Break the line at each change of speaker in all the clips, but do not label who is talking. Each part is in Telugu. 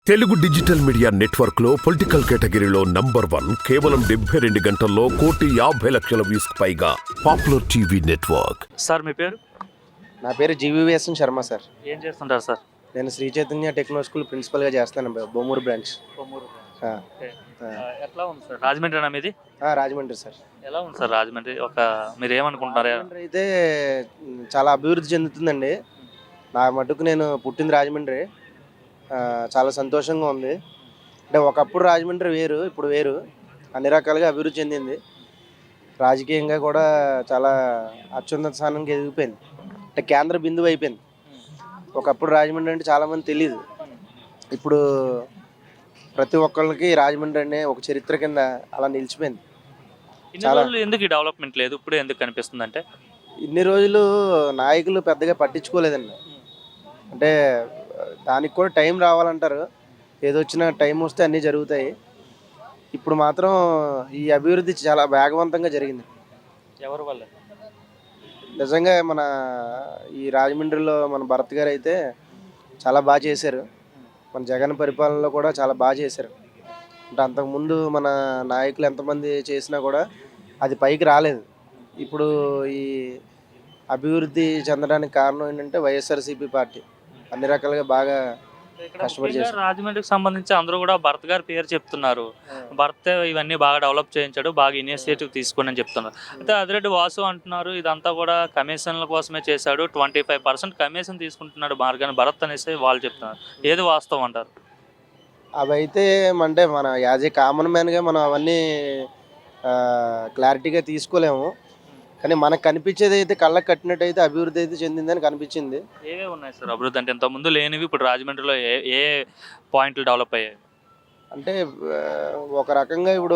తెలుగు డిజిటల్ మీడియా నెట్వర్క్ లో పొలిటికల్ కేటగిరీలో #1 కేవలం 72 గంటల్లో 1,50,00,000 వ్యూస్ పైగా పాపులర్ టీవీ నెట్వర్క్.
సార్ మీ పేరు?
నా పేరు జీవీవీఎస్ఎన్ శర్మ సార్.
ఏం చేస్తుంటారు సార్?
నేను శ్రీ చైతన్య టెక్నో స్కూల్ ప్రిన్సిపల్గా చేస్తాను బొమ్మూరు బ్రాంచ్.
ఓకే. ఎట్లా ఉంది సార్ రాజమండ్రి మీది?
రాజమండ్రి సార్.
ఎలా ఉంది సార్ రాజమండ్రి? మీరు ఏమనుకుంటున్నారు?
రాజమండ్రి అయితే చాలా అభివృద్ధి చెందుతుందండి. నా మటుకు నేను పుట్టింది రాజమండ్రి. చాలా సంతోషంగా ఉంది. అంటే ఒకప్పుడు రాజమండ్రి వేరు, ఇప్పుడు వేరు. అన్ని రకాలుగా అభివృద్ధి చెందింది. రాజకీయంగా కూడా చాలా అత్యున్నత స్థానానికి ఎదిగిపోయింది. అంటే కేంద్ర బిందువు అయిపోయింది. ఒకప్పుడు రాజమండ్రి అంటే చాలామంది తెలియదు. ఇప్పుడు ప్రతి ఒక్కళ్ళకి రాజమండ్రి అనే ఒక చరిత్ర కింద అలా నిలిచిపోయింది.
చాలా ఎందుకు ఈ డెవలప్మెంట్ లేదు, ఇప్పుడు ఎందుకు కనిపిస్తుంది అంటే?
ఇన్ని రోజులు నాయకులు పెద్దగా పట్టించుకోలేదండి. అంటే దానికి కూడా టైం రావాలంటారు. ఏదొచ్చినా టైం వస్తే అన్నీ జరుగుతాయి. ఇప్పుడు మాత్రం ఈ అభివృద్ధి చాలా వేగవంతంగా జరిగింది.
ఎవరి వల్ల?
నిజంగా మన ఈ రాజమండ్రిలో మన భరత్ గారు అయితే చాలా బాగా చేశారు. మన జగన్ పరిపాలనలో కూడా చాలా బాగా చేశారు. అంటే అంతకుముందు మన నాయకులు ఎంతమంది చేసినా కూడా అది పైకి రాలేదు. ఇప్పుడు ఈ అభివృద్ధి చెందడానికి కారణం ఏంటంటే వైఎస్ఆర్సీపీ పార్టీ అన్ని రకాలుగా బాగా కష్టపడి చేశారు.
రాజమండ్రికి సంబంధించి అందరూ కూడా భరత్ గారి పేరు చెప్తున్నారు. భరత్ ఇవన్నీ బాగా డెవలప్ చేయించాడు, బాగా ఇనిషియేటివ్ తీసుకుని అని చెప్తున్నారు. అయితే అదిరెడ్డి వాసు అంటున్నారు ఇదంతా కూడా కమిషన్ల కోసమే చేశాడు, 25% కమిషన్ తీసుకుంటున్నాడు మార్గాన్ని భరత్ అనేసి వాళ్ళు చెప్తున్నారు. ఏది వాస్తవం అంటారు?
అవైతే అంటే మన యాజ్ ఏ కామన్ మ్యాన్గా మనం అవన్నీ క్లారిటీగా తీసుకోలేము. కానీ మనకు కనిపించేది అయితే కళ్ళకు కట్టినట్టు అయితే అభివృద్ధి అయితే చెందిందని కనిపించింది.
ఏవే ఉన్నాయి సార్ అభివృద్ధి? అంటే ఇంతకుముందు లేనివి ఇప్పుడు రాజమండ్రిలో ఏ పాయింట్లు డెవలప్ అయ్యాయి?
అంటే ఒక రకంగా ఇప్పుడు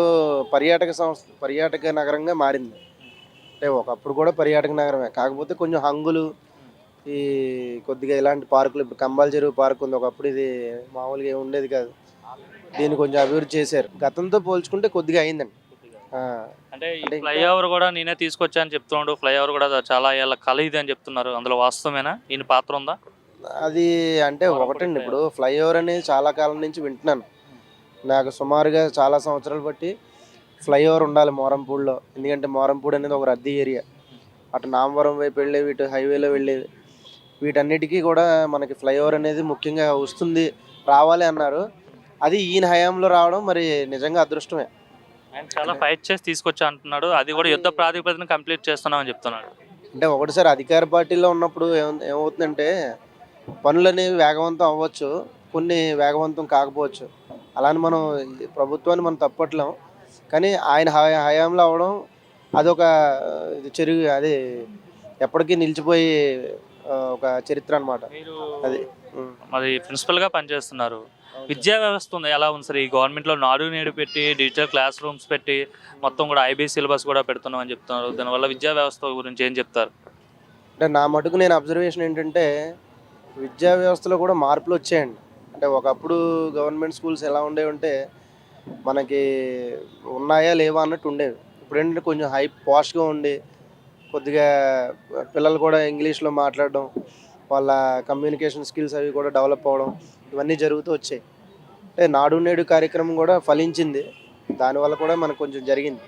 పర్యాటక నగరంగా మారింది. అంటే ఒకప్పుడు కూడా పర్యాటక నగరమే, కాకపోతే కొంచెం హంగులు ఈ కొద్దిగా ఇలాంటి పార్కులు, ఇప్పుడు కంబాల చెరువు పార్క్ ఉంది, ఒకప్పుడు ఇది మామూలుగా ఏమి ఉండేది కాదు. దీన్ని కొంచెం అభివృద్ధి చేశారు. గతంతో పోల్చుకుంటే కొద్దిగా అయిందండి.
అంటే ఈ ఫ్లైఓవర్ కూడా నేనే తీసుకొచ్చా అని చెప్తున్నాడు. ఫ్లైఓవర్ కూడా చాలా ఏళ్ళ కళ ఇది అని చెప్తున్నారు. అందులో వాస్తవమేనా? ఈయన పాత్ర ఉందా?
అది అంటే ఒకటండి, ఇప్పుడు ఫ్లైఓవర్ అనేది చాలా కాలం నుంచి వింటున్నాను. నాకు సుమారుగా చాలా సంవత్సరాలు బట్టి ఫ్లైఓవర్ ఉండాలి మోరంపూడిలో. ఎందుకంటే మోరంపూడి అనేది ఒక రద్దీ ఏరియా. అటు నామవరం వైపు వెళ్ళేవి, ఇటు హైవేలో వెళ్ళేవి, వీటన్నిటికీ కూడా మనకి ఫ్లైఓవర్ అనేది ముఖ్యంగా వస్తుంది, రావాలి అన్నారు. అది ఈయన హయాంలో రావడం మరి నిజంగా అదృష్టమే.
ఆయన చాలా ఫైట్ చేసి తీసుకొచ్చా అంటున్నాడు. అది కూడా యుద్ధ ప్రాతిపదికన కంప్లీట్ చేస్తున్నామని చెప్తున్నాడు.
అంటే ఒకటిసారి అధికార పార్టీలో ఉన్నప్పుడు ఏమవుతుందంటే పనులు అనేవి వేగవంతం అవ్వచ్చు, కొన్ని వేగవంతం కాకపోవచ్చు. అలానే మనం ప్రభుత్వాన్ని మనం తప్పట్లేం. కానీ ఆయన హయాంలో అవ్వడం అదొక అది ఎప్పటికీ నిలిచిపోయి ఒక చరిత్ర అనమాట. అది
మరి ప్రిన్సిపల్గా పనిచేస్తున్నారు. విద్యా వ్యవస్థ ఉంది, ఎలా ఉంది సార్? ఈ గవర్నమెంట్లో నాడు నేడు పెట్టి డిజిటల్ క్లాస్ రూమ్స్ పెట్టి మొత్తం కూడా ఐబీ సిలబస్ కూడా పెడుతున్నాం అని చెప్తున్నారు. దానివల్ల విద్యా వ్యవస్థ గురించి ఏం చెప్తారు?
అంటే నా మటుకు నేను అబ్జర్వేషన్ ఏంటంటే విద్యా వ్యవస్థలో కూడా మార్పులు వచ్చాయండి. అంటే ఒకప్పుడు గవర్నమెంట్ స్కూల్స్ ఎలా ఉండేవి అంటే మనకి ఉన్నాయా లేవా అన్నట్టు ఉండేవి. ఇప్పుడు ఏంటంటే కొంచెం పాష్గా ఉండి కొద్దిగా పిల్లలు కూడా ఇంగ్లీష్లో మాట్లాడడం, వాళ్ళ కమ్యూనికేషన్ స్కిల్స్ అవి కూడా డెవలప్ అవ్వడం, ఇవన్నీ జరుగుతూ వచ్చాయి. అంటే నాడు నేడు కార్యక్రమం కూడా ఫలించింది. దానివల్ల కూడా మనకు కొంచెం జరిగింది.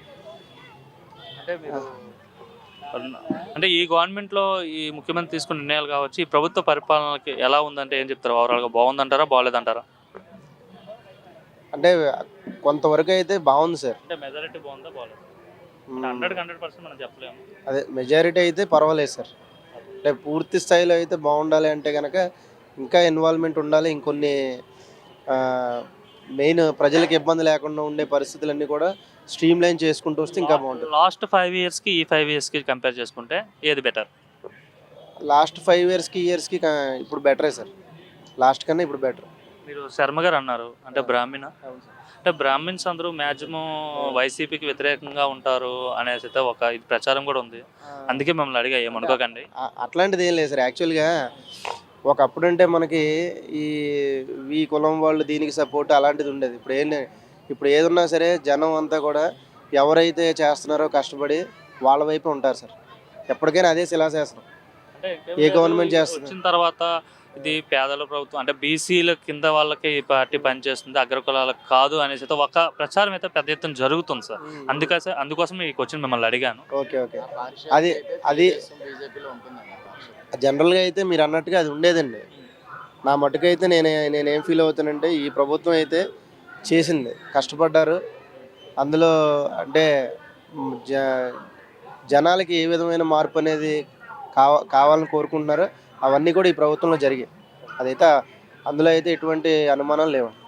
అంటే ఈ గవర్నమెంట్లో ఈ ముఖ్యమంత్రి తీసుకున్న నిర్ణయాలు కావచ్చు, ఈ ప్రభుత్వ పరిపాలనకి ఎలా ఉందంటే ఏం చెప్తారు? ఓవరాల్గా బాగుందంటారా, బాగలేదంటారా?
అంటే కొంతవరకు అయితే బాగుంది సార్.
అంటే మెజారిటీ బాగుందా, బాగలేదు? 100% మనం చెప్పలేము.
అదే మెజారిటీ అయితే పర్వాలేదు సార్. అంటే పూర్తి స్థాయిలో అయితే బాగుండాలి అంటే కనుక ఇంకా ఇన్వాల్వ్మెంట్ ఉండాలి. ఇంకొన్ని మెయిన్ ప్రజలకు ఇబ్బంది లేకుండా ఉండే పరిస్థితులన్నీ కూడా స్ట్రీమ్ లైన్ చేసుకుంటూ వస్తే ఇంకా బాగుంటుంది.
లాస్ట్ 5 ఇయర్స్కి ఈ 5 ఇయర్స్కి కంపేర్ చేసుకుంటే ఏది బెటర్?
లాస్ట్ 5 ఇయర్స్కి ఇప్పుడు బెటరే సార్. లాస్ట్ కన్నా ఇప్పుడు బెటర్.
మీరు శర్మ గారు అన్నారు, అంటే బ్రాహ్మణ, అంటే బ్రాహ్మిన్స్ అందరూ మ్యాక్సిమం వైసీపీకి వ్యతిరేకంగా ఉంటారు అనేసి అయితే ఒక ఇది ప్రచారం కూడా ఉంది. అందుకే మిమ్మల్ని అడిగా, ఏమనుకోకండి.
అట్లాంటిది ఏం లేదు సార్. యాక్చువల్గా ఒకప్పుడు అంటే మనకి ఈ కులం వాళ్ళు దీనికి సపోర్ట్ అలాంటిది ఉండేది. ఇప్పుడు ఏదున్నా సరే జనం అంతా కూడా ఎవరైతే చేస్తున్నారో కష్టపడి వాళ్ళ వైపు ఉంటారు సార్. ఎప్పటికైనా అదే శిలాశాసనం. ఏ గవర్నమెంట్ చేస్తుంది
వచ్చిన తర్వాత ఇది పేదల ప్రభుత్వం అంటే బీసీల కింద వాళ్ళకి ఈ పార్టీ పనిచేస్తుంది, అగ్రకులాలకు కాదు అనేసి అయితే ఒక ప్రచారం అయితే పెద్ద ఎత్తున జరుగుతుంది సార్. అందుకోసం ఈ క్వశ్చన్ మిమ్మల్ని అడిగాను.
ఓకే ఓకే అది అది జనరల్గా అయితే మీరు అన్నట్టుగా అది ఉండేదండి. నా మటుకైతే నేనేం ఫీల్ అవుతానంటే ఈ ప్రభుత్వం అయితే చేసింది, కష్టపడ్డారు అందులో. అంటే జనాలకి ఏ విధమైన మార్పు అనేది కావాలని కోరుకుంటున్నారో అవన్నీ కూడా ఈ ప్రభుత్వంలో జరిగాయి. అదైతే అందులో అయితే ఎటువంటి అనుమానం లేవు.